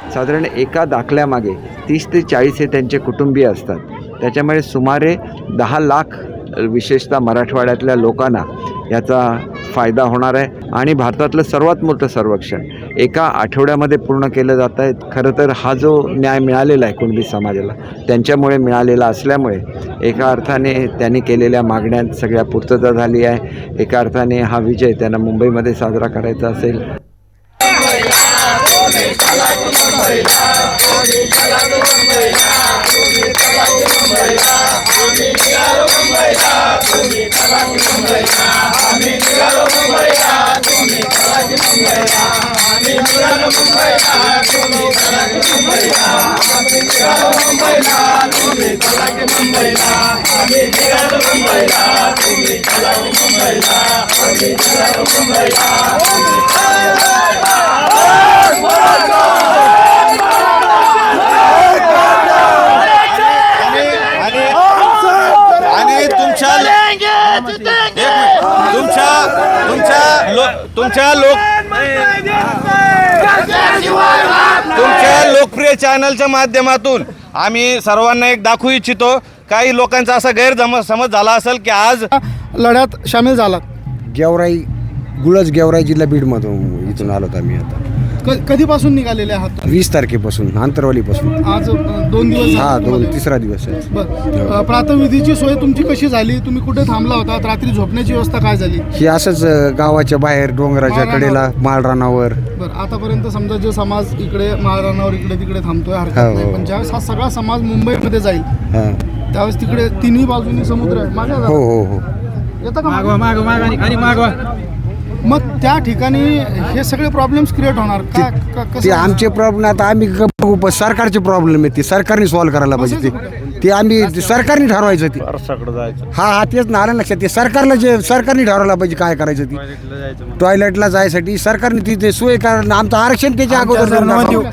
साधारण एका दाखल्यामागे 30 ते 40 हे त्यांचे कुटुंबीय असतात. त्याच्यामुळे सुमारे 10 लाख विशेषतः मराठवाड्यातल्या लोकांना याचा फायदा होणार आहे. आणि भारतातलं सर्वात मोठं सर्वेक्षण एका आठवड्यामध्ये पूर्ण केलं जात आहे. खरं तर हा जो न्याय मिळालेला आहे कुणबी समाजाला त्यांच्यामुळे मिळालेला असल्यामुळे एका अर्थाने त्यांनी केलेल्या मागण्यांत सगळ्या पूर्तता झाली आहे. एका अर्थाने हा विजय त्यांना मुंबईमध्ये साजरा करायचा असेल. तुमच्या लोकप्रिय चॅनलच्या माध्यमातून आम्ही सर्वांना एक दाखवू इच्छितो. काही लोकांचा असा गैरसमज झाला असेल की आज लढ्यात सामील झालात. गेवराई गुळज गेवराई जिल्हा बीडमधून इथून आलो आम्ही. आता कधीपासून निघालेले आहात? 20 तारखेपासून आंतरवालीपासून. आज 2 दिवस झाले. तिसरा दिवस आहे. बरं, प्रातःविधीची सोय तुमची कशी झाली? तुम्ही कुठे थांबला होता? रात्री झोपण्याची व्यवस्था काय झाली? ही असंच गावाच्या बाहेर डोंगराच्या कडेला माळरानावर. बरं, आतापर्यंत समजा जो समाज इकडे माळरानावर इकडे तिकडे थांबतोय हरकत नाही, पण ज्यावेळेस हा सगळा समाज मुंबईमध्ये जाईल त्यावेळेस तिकडे तिन्ही बाजूनी समुद्र आहे. मागे जा. हो. येतं का? मग त्या ठिकाणी हे सगळे प्रॉब्लेम्स क्रिएट होणार का? ते आमचे प्रॉब्लेम आता आम्ही बघू. सरकारचे प्रॉब्लेम आहे ते सरकारने सॉल्व्ह करायला पाहिजे. ते आम्ही सरकारने ठरवायचं ते. हा तेच ना आलं लक्षात. ते सरकारला जे सरकारने ठरवायला पाहिजे काय करायचं ती. टॉयलेटला जायसाठी सरकारने तिथे सोय करणं. आमचं आरक्षण त्याच्या अगोदर